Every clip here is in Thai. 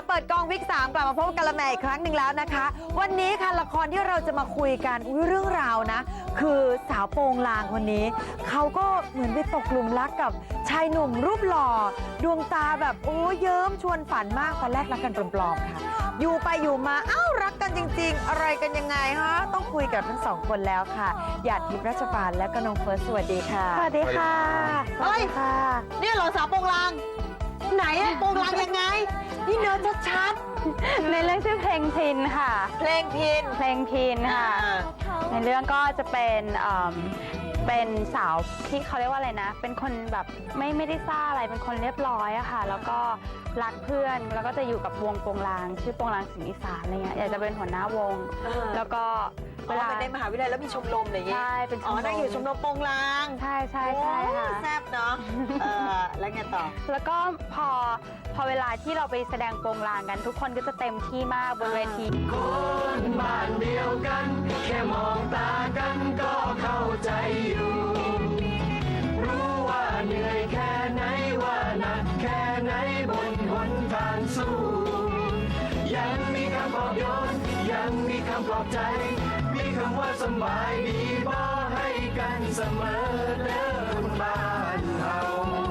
เปิดกองวิก3กลับมาพบกันละแม่อีกครั้งหนึ่งแล้วนะคะ วันนี้ค่ะละครที่เราจะมาคุยกันเรื่องราวนะ คือสาวโปงลางคนนี้เขาก็เหมือนไปตกหลุมรักกับชายหนุ่มรูปหล่อดวงตาแบบโอ้เยิ้มชวนฝันมากตอนแรกรักกันปลอมๆค่ะอยู่ไปอยู่มาเอ้ารักกันจริงๆอะไรกันยังไงฮะต้องคุยกับทั้งสองคนแล้วค่ะหยาดทิพย์รัชปานและก็น้องเฟิร์สสวัสดีค่ะสวัสดีค่ะสวัสดีค่ะเนี่ยเหรอสาวโปงลางไหนอะโปงลางยังไงนี่เนื้อชัดในเรื่องชื่อเพลงพินค่ะๆเพลงพินเพลงพินค่ะ ในเรื่องก็จะเป็นสาวที่เขาเรียกว่าอะไรนะ เป็นคนแบบไม่ได้ซ่าอะไร เป็นคนเรียบร้อยอะค่ะ แล้วก็รักเพื่อน แล้วก็จะอยู่กับวงโปงลาง ชื่อโปงลางสิงห์อีสานอะไรเงี้ย อยากจะเป็นหัวหน้าวง แล้วก็เวลาในมหาวิทยาลัยแล้วมีชมรมอะไรอย่างเงี้ยใช่เป็นชมรมนั่งอยู่ชมรมโปงลางใช่ค่ะแซ่บเนาะแล้วไงต่อแล้วก็พอเวลาที่เราไปแสดงโปงลางกัน ทุกคนก็จะเต็มที่มากบนเวทีคนบ้านเดียวกัน แค่มองตากันก็เข้าใจอยู่ รู้ว่าเหนื่อยแค่ไหนว่าหนักแค่ไหนบนหนทางสู้ ยังมีคำปลอบโยนยังมีคำปลอบใจ มีคำว่าสบายดีบอกให้กันเสมอเดินบ้านเฮา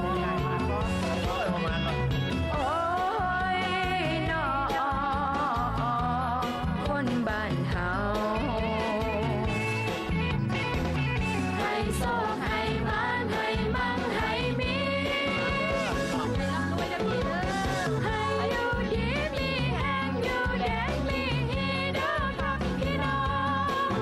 โอ้ยนอคนบ้านเฮาให้โชคให้มานให้มั่งให้มีให้อยู่ดีมีแห้งอยู่แดงมีฮีเด้อครับพี่น้อง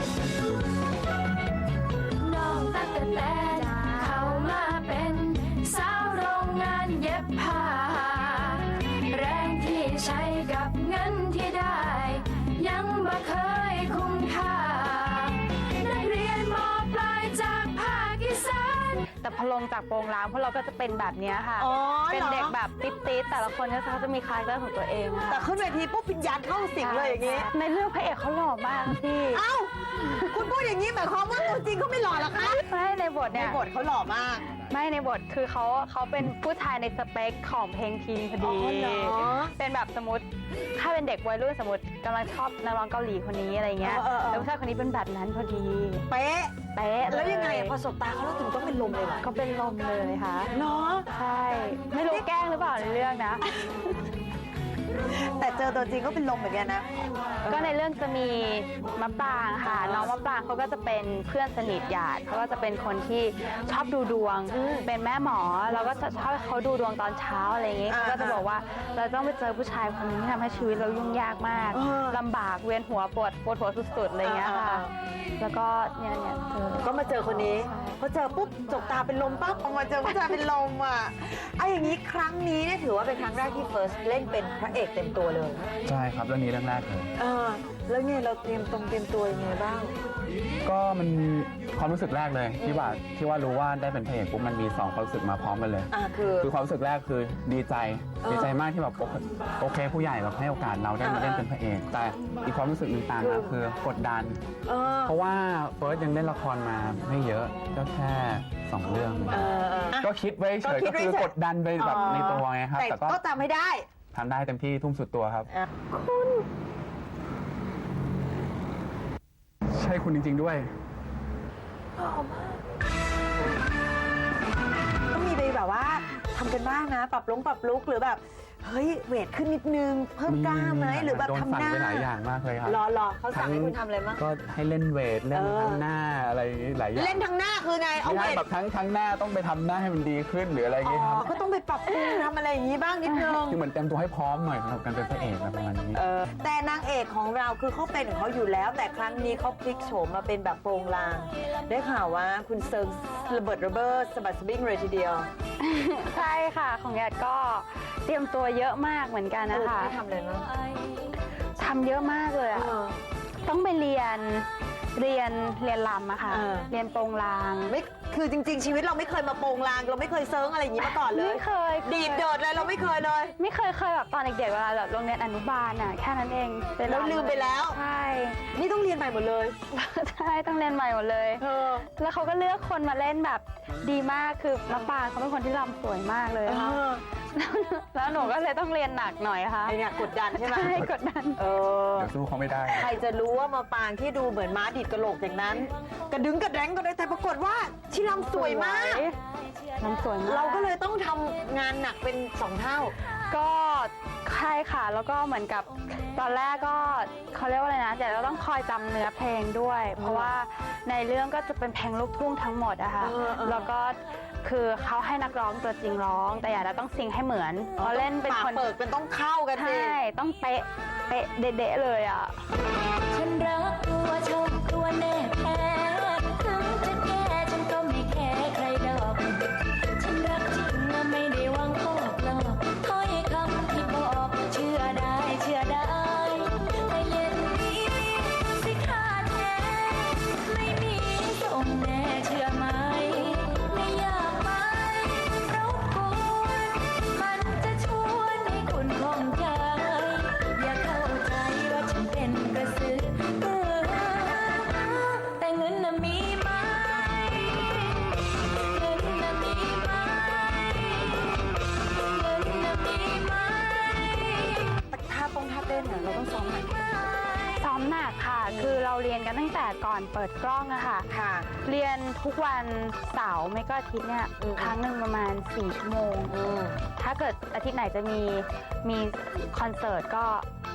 น้องตั้งแต่เข้ามาเป็นสาวโรงงานเย็บผ้าแรงที่ใช้กับเงินที่ได้ ยังบ่เคยคุ้มค่านักเรียนมปลายจากภาคอีสานแต่พอลงจากโปงลางพวกเราก็จะเป็นแบบเนี้ยค่ะอ๋อเป็นเด็กแบบติ๊ดๆแต่ละคนก็เขาจะมีคาแรคเตอร์ของตัวเองค่ะแต่ขึ้นเวทีปุ๊บวิญญาณเข้าสิงเลยอย่างงี้ในเรื่องพระเอกเขาหล่อมากพี่เอ้า คุณพูดอย่างนี้หมายความว่าตัวจริงเขาไม่หล่อหรอคะไม่ในบทในเนี่ยบทเขาหล่อมากไม่ในบทคือเขาเป็นผู้ชายในสเปคของเพลงทีนพอดีอ๋อเหรอเป็นแบบสมมติถ้าเป็นเด็กวัยรุ่นสมมติกำลังชอบนักร้องเกาหลีคนนี้อะไรเงี้ยแล้วผู้ชายคนนี้เป็นแบบนั้นพอดีเป๊ะเป๊ะแล้วยังไงพอสบตาเขาแล้วถึงต้องเป็นลมเลยเหรอก็เป็นลมเลยค่ะเนาะใช่ ไม่รู้แกล้งหรือเปล่าในเรื่องนะแต่เจอตัวจริงก็เป็นลมเหมือนกันนะก็ในเรื่องจะมีมะปรางค่ะ น้องมะปรางเขาก็จะเป็นเพื่อนสนิทหยาดเขาก็จะเป็นคนที่ชอบดูดวง เป็นแม่หมอเราก็จะชอบให้เขาดูดวงตอนเช้าอะไรอย่างงี้อ่าเขาก็จะบอกว่าเราต้องไปเจอผู้ชายคนนี้ที่ทำให้ชีวิตเรายุ่งยากมากเออลำบากเวียนหัวปวดหัวสุดๆอะไรอย่างเงี้ยค่ะอ่าแล้วก็เนี่ยเจอก็มาเจอคนนี้พอเจอปุ๊บจบตาเป็นลมปั๊บออกมาเจอผู้ชายเป็นลมอ่ะไอ้อย่างนี้ครั้งนี้เนี่ยถือว่าเป็นครั้งแรกที่เฟิร์สเล่นเป็นพระเอกเต็มตัวเลยใช่ครับเรื่องนี้เรื่องแรกเลยแล้วเนี่ยเราเตรียมตัวยังไงบ้างก็มันความรู้สึกแรกเลยที่ว่ารู้ว่าได้เป็นพระเอกปุ๊บมันมี2ความรู้สึกมาพร้อมกันเลย คือความรู้สึกแรกคือดีใจมากที่แบบโอเคผู้ใหญ่แบบให้โอกาสเราได้มาเล่นเป็นพระเอก แต่อีกความรู้สึกหนึ่งต่างนะคือกดดัน เพราะว่าเฟิร์สยังเล่นละครมาไม่เยอะก็แค่2เรื่อง ก็คิดไว้เฉยก็คิก็ดไว้คือเฉยกดดันไปแบบในตัวไงครับแต่แต่ก็ก็ทำให้ได้ทำได้เต็มที่ทุ่มสุดตัวครับใช่คุณจริง ๆด้วยต้องมีไปแบบว่าทำกันบ้างนะ ปรับลุกหรือแบบ เฮ้ยเวทขึ้นนิดนึง เพิ่มกล้ามไหมหรือแบบโดนทำสั่งหน้าไปหลายอย่างมากเลยครับรอเขาสั่งให้คุณทำอะไรบ้างก็ให้เล่นเวทเล่นทั้งหน้าอะไรอย่างนี้หลายอย่างเล่นทั้งหน้าคือไงเอาไม่เวใช่ทแบบทั้งหน้าต้องไปทำหน้าให้มันดีขึ้นหรืออะไรอย่างงี้ครับก็ต้องไปปรับปรุงทำอะไรอย่างนี้บ้างนิดนึงคือเหมือนเตรียมตัวให้พร้อมหน่อยสำหรับการเป็นพระเอกอะไรประมาณนี้แต่นางเอกของเราคือเขาเป็นของเขาอยู่แล้ว แต่ครั้งนี้เขาพลิกโฉมมาเป็นแบบโปรงลาง ได้ข่าวว่าคุณเซิร์ฟระเบิดระเบ้อสะบัดสะบิ้งเลยทีเดียวใช่ค่ะ ของหยาดก็เตรียมตัวเยอะมากเหมือนกันนะคะไม่ทำเลยมั้งทำเยอะมากเลยอะต้องไปเรียนรำอะค่ะ เรียนโปงลางไม่คือจริง ๆ ชีวิตเราไม่เคยมาโปรงลาง เราไม่เคยเซิร์งอะไรอย่างนี้มาก่อนเลยไม่เคยดีดโดดเลยเราไม่เคยเลยไม่เคยแบบตอนเด็กๆเวลาแบบโรงเรียนอนุบาลอะแค่นั้นเองไปรำแล้วลืมไปแล้วใช่นี่ต้องเรียนใหม่หมดเลยใช่ต้องเรียนใหม่หมดเลย แล้วเขาก็เลือกคนมาเล่นแบบดีมากคือมะปรางเขาเป็นคนที่รำสวยมากเลยค่ะแล้วหนูก็เลยต้องเรียนหนักหน่อยค่ะไอเนี่ยกดดันใช่ไหมใช่กดดันเออเดี๋ยวสู้เขาไม่ได้ใครจะรู้ว่ามาปางที่ดูเหมือนม้าดิดกระโหลกอย่างนั้น กระดึงกระแดงก็ได้แต่ปรากฏว่าชิลำสวยมากน้ำสวยมากเราก็เลยต้องทำงานหนักเป็น2 เท่าก็ใช่ค่ะ แล้วก็เหมือนกับตอนแรกก็เขาเรียกว่าอะไรนะเดี๋ยวเราต้องคอยจำเนื้อเพลงด้วย เพราะว่าในเรื่องก็จะเป็นเพลงลูกทุ่งทั้งหมดอะค่ะ แล้วก็คือเขาให้นักร้องตัวจริงร้อง แต่อย่าเราต้องซิงให้เหมือนเราเล่นเป็นปากคนเปิดเป็นต้องเข้ากันสิใช่ต้องเป๊ะเป๊ะเด๊ะๆเลยอะฉันรักตัวชมตัวแน่แท้ถึงจะแก่ฉันก็ไม่แคร์ใครดอก ฉันรักจริงไม่ได้หวังพอกหลอกถ้อยคำที่บอกเชื่อได้เชื่อได้ให้เย็นนี้สิค่าแท้ไม่มีส่งแน่เชื่อไหมไม่อยากไปรบกวนมันจะชวนให้คุณคล่องใจอย่าเข้าใจว่าฉันเป็นกระสือแต่เงินน่ะมีไหมเงินน่ะมีไหมเงินน่ะมีไหมท่าเต้นเราต้องซ้อมหนักซ้อมหนักค่ะ คือเราเรียนกันตั้งแต่ก่อนเปิดกล้องอะค่ะค่ะเรียนทุกวันเสาร์ไม่ก็อาทิตย์เนี่ยครั้งหนึ่งประมาณ4 ชั่วโมง ถ้าเกิดอาทิตย์ไหนจะมีคอนเสิร์ตก็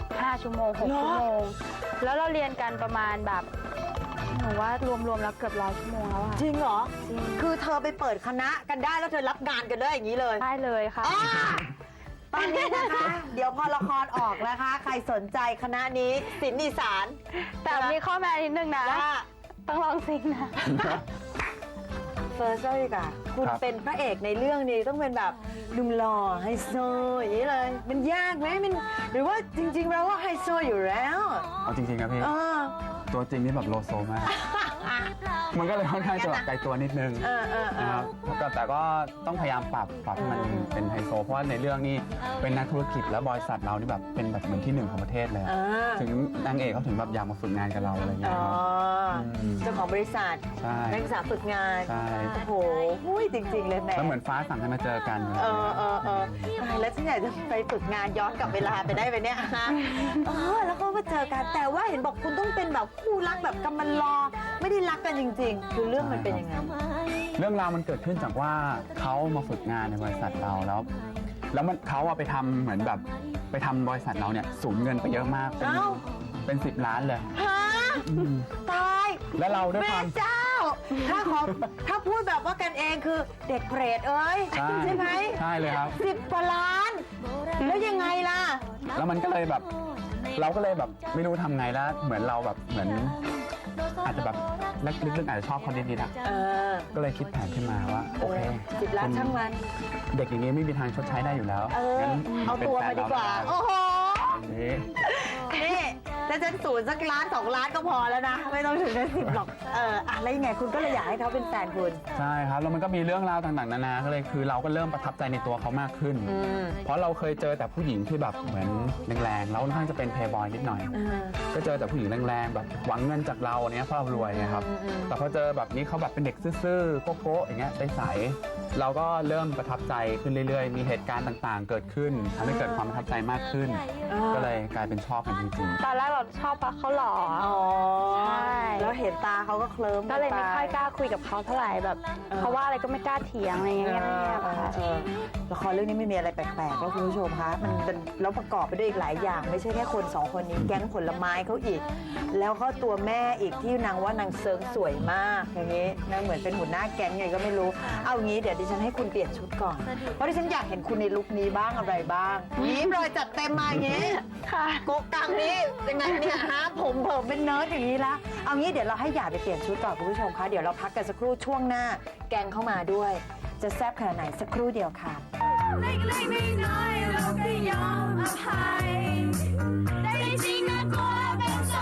5 ชั่วโมง 6 ชั่วโมง แล้วเราเรียนกันประมาณแบบหนูว่ารวมๆแล้วเกือบ100 ชั่วโมงแล้วอะจริงเหรอจริงคือเธอไปเปิดคณะกันได้แล้วเธอรับงานกันได้อย่างนี้เลยได้เลยค่ะอ่าตอนนี้นะคะ เดี๋ยวพอละครออกนะคะ ใครสนใจคณะนี้ศิลป์อีสานแต่มีข้อแม้นิดนึงนะว่าต้องลองซิงนะเฟิร์สเลยค่ะคุณครับเป็นพระเอกในเรื่องนี้ต้องเป็นแบบหนุ่มหล่อไฮโซอย่างนี้เลย มันยากไหมมันหรือว่าจริงๆเราว่าไฮโซอยู่แล้วเอาจริงๆครับพี่เออตัวจริงนี่แบบโลโซมาก มันก็เลยค่อนข้างจะแบบไกลตัวนิดนึงเออนะครับแต่ก็ต้องพยายามปรับให้มันเป็นไฮโซ เพราะว่าในเรื่องนี้เป็นนักธุรกิจแล้วบริษัทเรานี่แบบเป็นแบบเหมือนที่1ของประเทศเลย ถึงนางเอกเขาถึงแบบอยากมาฝึกงานกับเราอะไรอย่างเงี้อ๋ยอครับเจ้าของบริษัทใช่นักศึกษาฝึกงานใช่โอ้โหหุ้ยจริง ๆ เลยแหม่แล้วเหมือนฟ้าสั่งให้มาเจอกันตายแล้วฉันอยากจะไปฝึกงานย้อนกลับเวลาไปได้ไหมเนี่ยฮะแล้วก็มาเจอกัน แต่ว่าเห็นบอกคุณต้องเป็นแบบคู่รักแบบกำมันรอ ไม่ได้รักกันจริง ๆ คือเรื่องมันเป็นยังไงเรื่องราวมันเกิดขึ้นจากว่าเขามาฝึกงานในบริษัทเราแล้วเขาไปทำเหมือนแบบไปทำบริษัทเราเนี่ยสูญเงินไปเยอะมากเอ้าเป็น10 ล้านเลยฮะตายแล้วเราด้วยแม่ความเจ้า ถ้าพูดแบบว่ากันเองคือเด็กเปรตเอ้ย ใช่ไหมใช่เลยครับ 10 กว่าล้าน แล้วยังไงล่ะแล้วมันก็เลยแบบเราก็เลยแบบไม่รู้ทำไงแล้วเหมือนเราแบบเหมือนอาจจะแบบลึกๆอาจจะชอบเขานิดๆอะเออก็เลยคิดแผนขึ้นมาว่าโอเค 10 ล้านช่างมันเด็กอย่างนี้ไม่มีทางชดใช้ได้อยู่แล้ว งั้นเอาตัวมาดีกว่า โอ้โหอย่างนี้นี่ถ้าฉันสูญสักล้าน2 ล้านก็พอแล้วนะ ไม่ต้องถึงกัน10หรอก แล้วยังไงคุณก็เลยอยากให้เขาเป็นแฟนคุณใช่ครับแล้วมันก็มีเรื่องราวต่างๆนานาก็เลยคือเราก็เริ่มประทับใจในตัวเขามากขึ้น เพราะเราเคยเจอแต่ผู้หญิงที่แบบเหมือนแรงๆแล้วค่อนข้างจะเป็นเพย์บอยนิดหน่อย ก็เจอแต่ผู้หญิงแรงๆแบบหวังเงินจากเราเนี้ยเพราะเรารวยไงครับ แต่พอเจอแบบนี้เขาแบบเป็นเด็กซื่อๆโก๊ะๆอย่างเงี้ยใสๆเราก็เริ่มประทับใจขึ้นเรื่อยๆ มีเหตุการณ์ต่างๆ เกิดขึ้นทำให้เกิดความประทับใจมากขึ้น ก็เลยกลายเป็นชอบกันจริงตอนแรกเราชอบเพราะเขาหล่ออ๋อใช่แล้วเห็นตาเขาก็เคลิ้มก็เลยไม่ค่อยกล้าคุยกับเขาเท่าไหร่แบบเขาว่าอะไรก็ไม่กล้าเถียงอะไรอย่างเงี้ยค่ะละครเรื่องนี้ไม่มีอะไรแปลกๆแล้วคุณผู้ชมคะมันเป็นแล้วประกอบไปด้วยอีกหลายอย่าง ไม่ใช่แค่คน2 คนนี้แก๊งผลไม้เขาอีก แล้วก็ตัวแม่อีกที่นางว่านางเซิงสวยมากอย่างนี้นางเหมือนเป็นหัวหน้าแก๊งไงก็ไม่รู้เอางี้เดี๋ยวดิฉันให้คุณเปลี่ยนชุดก่อนเพราะดิฉันอยากเห็นคุณในลุคนี้บ้างอะไรบ้างยิ้มรอยจัดเต็มมาอย่างนี้ค่ะโกกังนี่ยังไงเนี่ยฮะผมเผิมเป็นเนิร์ดอย่างนี้ละเอางี้เดี๋ยวเราให้หยาดไปเปลี่ยนชุดก่อนคุณผู้ชมคะเดี๋ยวเราพักกันสักครู่ช่วงหน้าแกงเข้ามาด้วย จะแซ่บขนาดไหนสักครู่เดียวค่ะเล็กๆน้อยๆเราก็ยอมอภัยแต่จริงๆนะกลัวเป็นโส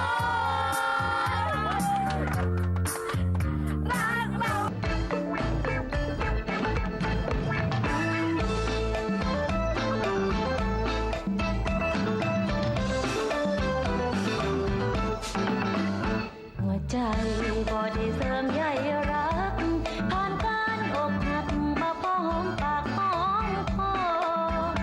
ดรักเรา หัวใจบ่ได้เสริมใยรักผ่านการอกหักมาพอหอมปากหอมคอ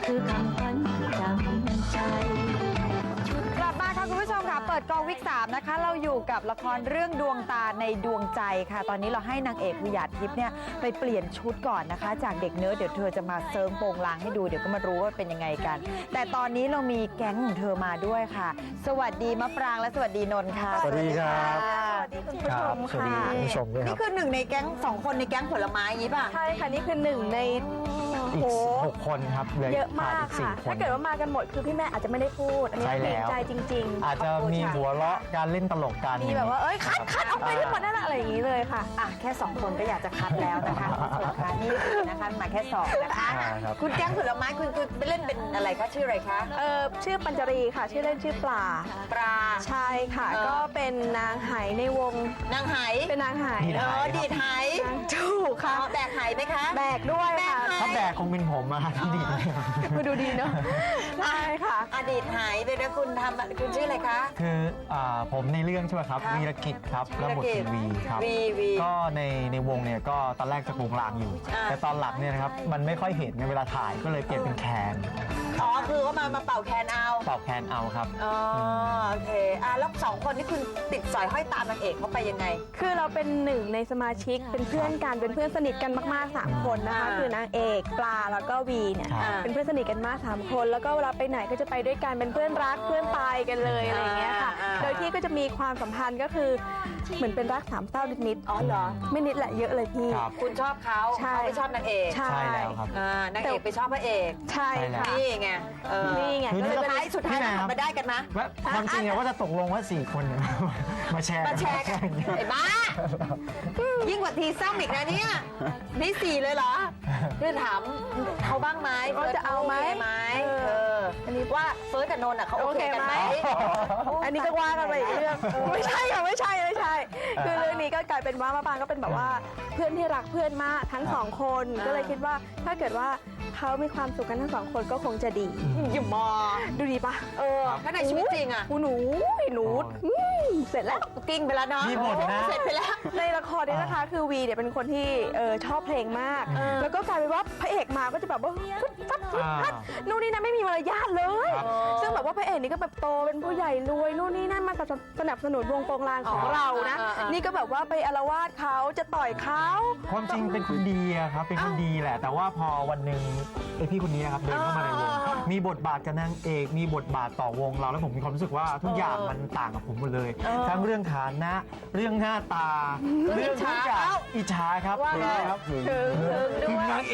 คือคำขวัญจำใจกลับมาค่ะคุณผู้ชมค่ะเปิดกองวิก3นะคะเราอยู่กับละครเรื่องดวงตาในดวงใจค่ะ ตอนนี้เราให้นางเอกวิหยาดทิพย์เนี่ยไปเปลี่ยนชุดก่อนนะคะ จากเด็กเนื้อเดี๋ยวเธอจะมาเซิร์งโปงลางให้ดูเดี๋ยวก็มารู้ว่าเป็นยังไงกัน แต่ตอนนี้เรามีแก๊งของเธอมาด้วยค่ะ สวัสดีมะปรางและสวัสดีนนท์ค่ะสวัสดีครับสวัสดีคุณผู้ชมสวัสดีค่ะคุณผู้ชมด้วยคนี่รับคือหนึ่งในแก๊ง2 คนในแก๊งผลไม้อย่างนี้ป่ะใช่ค่ะ นี่คือหนึ่งในอีก6 คนครับเหลือเยอะมากสี่ค่ะคนถ้าเกิดว่ามากันหมดคือพี่แม่อาจจะไม่ได้พูด อันนี้ใช่เกรแล้งวใจจริงอาจจะมีหัวเราะการเล่นตลกกันๆ มีแบบว่า เอ้ย คัดออกไปทั้งหมดนั่นแหละอะไรอย่างนี้เลยค่ะอ่ะแค่ 2 คนก็อยากจะคัดแล้วนะคะคุณผู้ชมค่ะนี่นะคะมาแค่2นะคะใช่ครับคุณแก๊งผลไม้คุณไปเล่นเป็นอะไรคะชื่ออะไรคะชื่อปัญจรีค่ะ ชื่อเล่นชื่อปลาปลาใช่ค่ะ ก็เป็นนางไหในวงนางไหเป็นนางไหดีดไหดีดไหถูกค่ะแบกไหไหมคะแบกด้วยค่ะถ้าแบกคงเป็นผมอะที่ดีดมาดูดีเนาะ ใช่ค่ะอดีตไหไปนะคุณทำคุณชื่ออะไรคะคือผมในเรื่องใช่ไหมครับครับวีรกิจครับแล้วบทเป็นวีครับวีก็ในวงเนี่ยก็ตอนแรกจะโปรงลางอยู่อ่าแต่ตอนหลังเนี่ยนะครับมันไม่ค่อยเห็นในเวลาถ่ายก็เลยเปลี่ยนเป็นแคนอ๋อคือว่ามาเป่าแคนเอาเป่าแคนเอาครับอ๋อโอเคแล้ว2 คนนี่คุณติดสอยห้อยตามนางเอกเขาไปยังไงคือเราเป็นหนึ่งในสมาชิก เป็นเพื่อนกัน เป็นเพื่อนสนิทกันมากๆ 3 คนนะคะอ่าคือนางเอกปลาแล้วก็วีเนี่ยครับเป็นเพื่อนสนิทกันมาก 3 คน แล้วก็เวลาไปไหนก็จะไปด้วยกัน เป็นเพื่อนรัก เพื่อนตายกันเลยอะไรอย่างเงี้ยค่ะ โดยที่ก็จะมีความสัมพันธ์ก็คือเหมือนเป็นรักสามเศร้านิดอ๋อเหรอๆ ไม่นิดแหละเยอะเลยพี่ครับคุณชอบเขาใช่เขาไม่ชอบนางเอกใช่ใช่แล้วครับนางเอกไปชอบพระเอกใช่ค่ะนี่ไงนี่ไงคือก็นี่เลยก็เป็นสุดท้ายพี่แม่ครับมาได้กันมะว่าความจริงเนี่ยว่าจะตกลงว่า4 คนเนี่ยมาแชร์มาแชร์กันไอ้บ้า ยิ่งกว่าทีซ้ำอีกนะเนี่ยนี่4เลยเหรอคือถามเขาบ้างไหมว่าจะเอาไหมโคไหมอันนี้ว่าเฟิร์สกับนนท์อ่ะเขาโอเคกันไหมอันนี้ก็ว่ากันไปอีกเรื่องไม่ใช่ค่ะไม่ใช่คือเรื่องนี้ก็กลายเป็นว่ามะปรางก็เป็นแบบว่าเพื่อนที่รักเพื่อนมากทั้ง2 คนก็เลยคิดว่าถ้าเกิดว่าเขามีความสุขกันทั้ง2 คนก็คงจะดีอยู่มอดูดีปะถ้าในชีวิตจริงอ่ะหนูเสร็จแล้วกิ้งไปแล้วเนาะมีหมดนะเสร็จไปแล้วในละครเนี่ยนะคะคือวีเนี่ยเป็นคนที่ชอบเพลงมาก แล้วก็กลายเป็นว่าพระเอกมาก็จะแบบว่าฟึดฟัดนู่นนี่นั่นไม่มีมารยาทเลยครับซึ่งแบบว่าพระเอกนี่ก็แบบโตเป็นผู้ใหญ่รวยนู่นนี่นั่นมาสนับสนุนวงโปงลางของเรานะ นี่ก็แบบว่าไปอาละวาดเขาจะต่อยเขาความจริงเป็นคนดีอะครับ เป็นคนดีแหละ แต่ว่าพอวันหนึ่งไอพี่คนนี้นะครับเดินเข้ามาในวง มีบทบาทกับนางเอก มีบทบาทต่อวงเรา แล้วผมมีความรู้สึกว่าทุกอย่างมันต่างกับผมหมดเลย ทั้งเรื่องฐานะ เรื่องหน้าตา เรื่องทุกอย่างอิจฉาครับว่าไงครับถึงด้วยนางเอก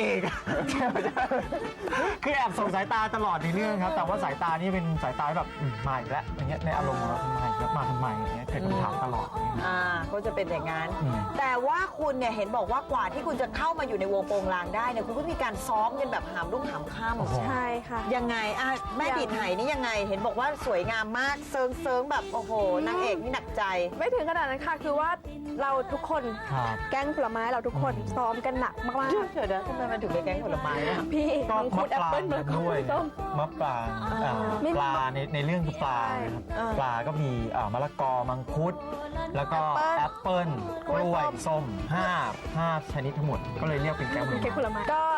คือแอบส่งสายตาตลอดในเรื่องครับ แต่ว่าสายตานี่เป็นสายตาที่แบบมาอีกแล้วอย่างเงี้ยในอารมณ์ของเรามาอีกแล้วมาทำไมอย่างเงี้ยเกิดคำถามตลอดก็จะเป็นอย่างนั้นอืมแต่ว่าคุณเนี่ยเห็นบอกว่ากว่าที่คุณจะเข้ามาอยู่ในวงโปงลางได้เนี่ยคุณก็มีการซ้อมกันแบบหามรุ่งหามค่ำใช่ค่ะยังไงแม่ดิดไหนี่ยังไง เห็นบอกว่าสวยงามมากเซิงแบบโอ้โหนางเอกนี่หนักใจไม่ถึงขนาดนั้นค่ะ คือว่าเราทุกคนครับแก๊งผลไม้เราทุกคนซ้อมกันหนักมากเดี๋ยวนะทำไมมันถึงเป็นแก๊งผลไม้อะๆ พี่ก็มังคุดแอปเปิ้ลมะละกอด้วยส้มมะปรางปลาในเรื่องคือปลาใช่นะครับปลาก็มีมะละกอมังคุด แล้วก็แอปเปิ้ลกล้วยส้ม5ชนิดทั้งหมด ก็เลยเรียกเป็นแก๊งผลเค้กผลไม้ไม้ก็